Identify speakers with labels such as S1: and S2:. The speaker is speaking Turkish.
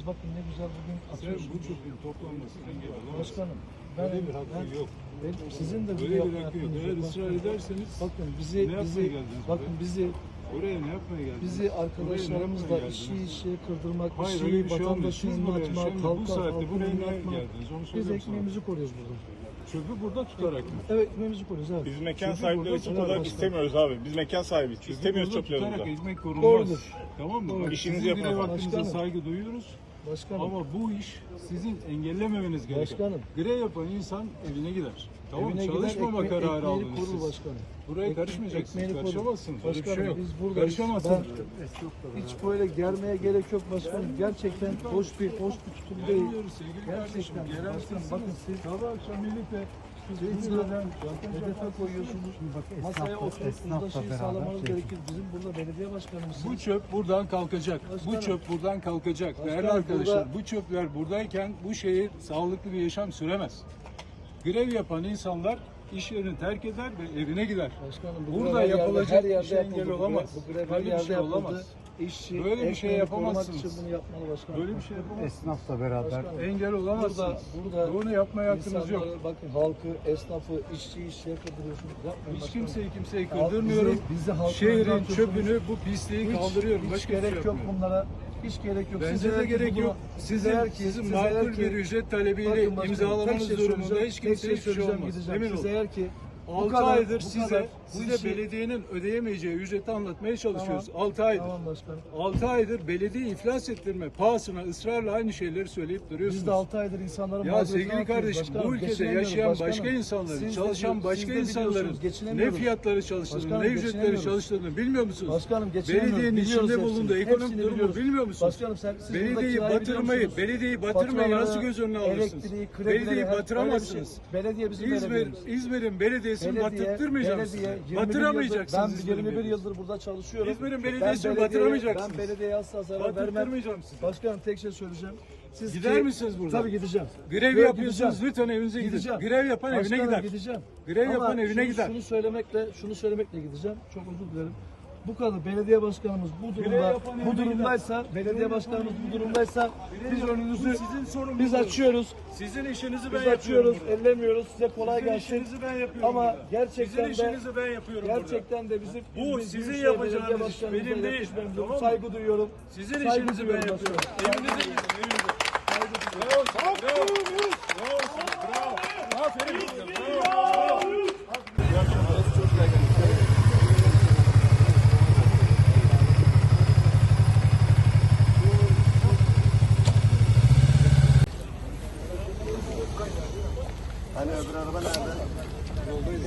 S1: bakın ne güzel bugün atıyorsunuz.
S2: Bu çöpün toplanmasına engel olamazsın.
S1: Başkanım,
S2: Böyle bir hakkı yok.
S1: sizin de
S2: Böyle bir hakkı yok. Eğer ısrar ederseniz
S1: bakın
S2: ne yapmaya geldiniz buraya? Oraya ne yapmaya geldiniz?
S1: bizi arkadaşlarımızla işi kırdırmak,
S2: hayır, öyle bir şey olmuyor.
S1: vatandaşın
S2: Siz buraya
S1: atmak,
S2: şimdi bu
S1: halka
S2: saatte buraya niye
S1: atmak.
S2: geldiniz? Onu
S1: Biz
S2: söyleyeyim sana.
S1: ekmeğimizi koruyoruz burada.
S2: Çöpü burada tutarak mı?
S1: Evet, ekmeğimizi koruyoruz. Evet.
S3: Biz mekan
S2: Çünkü
S3: sahipleri
S2: burada
S3: için
S2: tutar
S3: olarak
S2: başkanım.
S3: istemiyoruz abi. Biz mekan sahibiyiz. İstemiyoruz
S2: Burada
S3: çöplerimizi.
S2: tutarak ekmek korunmaz.
S1: Doğrudur.
S2: Tamam mı?
S1: Doğru.
S2: Bak,
S3: İşinizi
S2: sizin
S3: yapın
S2: grev
S3: efendim.
S2: hakkınıza
S1: Başkanım.
S2: saygı duyuyoruz.
S1: Başkanım.
S2: Ama bu iş sizin engellememeniz gerekiyor.
S1: Başkanım.
S2: Grev yapan insan evine gider. Tamam mı?
S1: Evine gider,
S2: Çalışmama kararı
S1: ekmeğini
S2: aldınız
S1: korur
S2: siz.
S1: başkanım.
S2: Buraya karışmayacaksınız.
S1: Ekmeğini korur.
S2: Karışamazsınız. Öyle bir
S1: Başkanım,
S2: şey yok.
S1: biz buradayız.
S2: Karışamazsınız.
S1: Hiç böyle germeye gerek yok başkanım. Gerçekten hoş bir tutum değil.
S2: Gelmiyoruz sevgili kardeşim.
S1: Gerçekten.
S2: Gelen
S1: Başkanım,
S2: sizsiniz.
S1: bakın siz
S2: Sabah akşam birlikte
S1: İzmir'den hedefe koyuyorsunuz. Masaya oturup uzlaşıyı sağlamanız gerekir. Bizim burada belediye başkanımız.
S2: bu çöp buradan kalkacak.
S1: Başkanım.
S2: Bu çöp buradan kalkacak. Değerli
S1: Başkanım,
S2: arkadaşlar, bu çöpler buradayken bu şehir sağlıklı bir yaşam süremez. Grev yapan insanlar iş yerini terk eder ve evine gider.
S1: Başkanım, bu
S2: Burada
S1: grev her yerde-
S2: yapılacak
S1: her yerde
S2: bir şey engel
S1: yapıldı.
S2: olamaz.
S1: Bu grev her
S2: Böyle bir
S1: yerde
S2: şey
S1: yapıldı.
S2: olamaz.
S1: İşçi,
S2: Böyle bir şey
S1: ekmeğini
S2: yapamazsınız.
S1: korumak için bunu yapmalı başkanım.
S2: Böyle bir şey yapamazsınız.
S4: Esnafla beraber
S2: Engel olamazsınız.
S1: Burada
S2: Bunu yapmaya hakkınız yok.
S1: insanları, bakın halkı, esnafı, işçiyi kırdırıyorsunuz. Yapmayın
S2: Hiç
S1: başkanım.
S2: kimseyi
S1: Halk-
S2: kırdırmıyorum.
S1: bizi halkın
S2: Şehrin
S1: bırakıyorsunuz.
S2: çöpünü, bu pisliği kaldırıyorum.
S1: Hiç
S2: Başka bir şey
S1: gerek yok
S2: yapmıyorum.
S1: bunlara. Hiç gerek yok.
S2: Bence de gerek yok. Sizin makul bir ücret talebiyle imzalamanız durumunda hiç kimseye hiçbir şey olmaz. Emin
S1: Siz
S2: olun.
S1: eğer ki
S2: 6 aydır size belediyenin ödeyemeyeceği ücreti anlatmaya çalışıyoruz. 6 aydır.
S1: Tamam başkanım.
S2: 6 aydır belediye iflas ettirme pahasına ısrarla aynı şeyleri söyleyip duruyorsunuz.
S1: Biz de 6 aydır insanların
S2: Ya
S1: mağduriyetini
S2: sevgili
S1: atıyoruz
S2: kardeşim,
S1: başkanım.
S2: bu ülkede
S1: Geçinemiyoruz
S2: yaşayan
S1: başkanım.
S2: başka insanların,
S1: Siz de
S2: çalışan
S1: siz
S2: başka
S1: de
S2: insanların
S1: biliyorsunuz,
S2: ne
S1: geçinemiyoruz.
S2: fiyatları çalıştığını,
S1: Başkanım,
S2: ne ücretleri
S1: geçinemiyoruz.
S2: çalıştığını bilmiyor musunuz?
S1: Başkanım geçinemiyoruz.
S2: Belediyenin
S1: Biliyoruz
S2: içinde
S1: hepsini.
S2: bulunduğu ekonomik
S1: Hepsini
S2: durumu
S1: biliyoruz.
S2: bilmiyor musunuz?
S1: Başkanım siz burada
S2: Belediyeyi
S1: kirayı biliyor
S2: batırmayı,
S1: musunuz?
S2: belediyeyi batırmayı nasıl göz önüne alırsınız?
S1: Elektriği, kredileri,
S2: Belediyeyi
S1: her-
S2: batıramazsınız.
S1: öyle bir şey. Belediye bizim belediyemiz.
S2: İzmir'in belediyesini battırtmayacaksınız.
S1: belediye, 21
S2: Batıramayacaksınız.
S1: Ben
S2: İzmir'in
S1: 21
S2: belediyesini.
S1: yıldır burada çalışıyorum.
S2: İzmir'in
S1: Ben
S2: belediyesini
S1: belediyeye-
S2: batıramayacaksınız.
S1: Ben belediyeye asla zarar vermem.
S2: Battırmayacağım sizi.
S1: Başkanım tek şey söyleyeceğim. Siz
S2: Gider misiniz buradan?
S1: Tabii gideceğim.
S2: Grev
S1: Yok,
S2: yapıyorsunuz,
S1: gideceğim.
S2: lütfen evinize gidin.
S1: Gideceğim.
S2: Grev yapan evine
S1: Başkanım,
S2: gider.
S1: Gideceğim.
S2: Grev yapan
S1: Ama
S2: evine gider.
S1: Şunu söylemekle gideceğim. Çok özür dilerim. Bu kadar belediye başkanımız bu
S2: yapan
S1: bu
S2: evine
S1: durumdaysa, belediye başkanımız bu durumdaysa biz önünüzü
S2: Sizin sorumluluğunuz.
S1: biz açıyoruz.
S2: Sizin işinizi
S1: Biz
S2: ben yapıyorum
S1: açıyoruz,
S2: burada.
S1: ellemiyoruz. Size kolay
S2: Sizin
S1: gelsin.
S2: işinizi ben yapıyorum
S1: Ama
S2: burada.
S1: gerçekten
S2: Sizin
S1: de
S2: işinizi ben yapıyorum burada.
S1: gerçekten de bizim
S2: Bu
S1: biz
S2: sizin
S1: Büyükşehir
S2: yapacağınız
S1: Belediye
S2: iş,
S1: Başkanımıza
S2: benim değil.
S1: yakışmamıza
S2: Tamam mı?
S1: saygı duyuyorum.
S2: Sizin
S1: Saygı
S2: işinizi ben
S1: duyuyorum
S2: yapıyorum.
S1: başkanım.
S2: Evinize gidin, evinize. Bravo, bravo. Bravo, bravo. Aferin size, bravo.
S4: hani öbür araba nerede?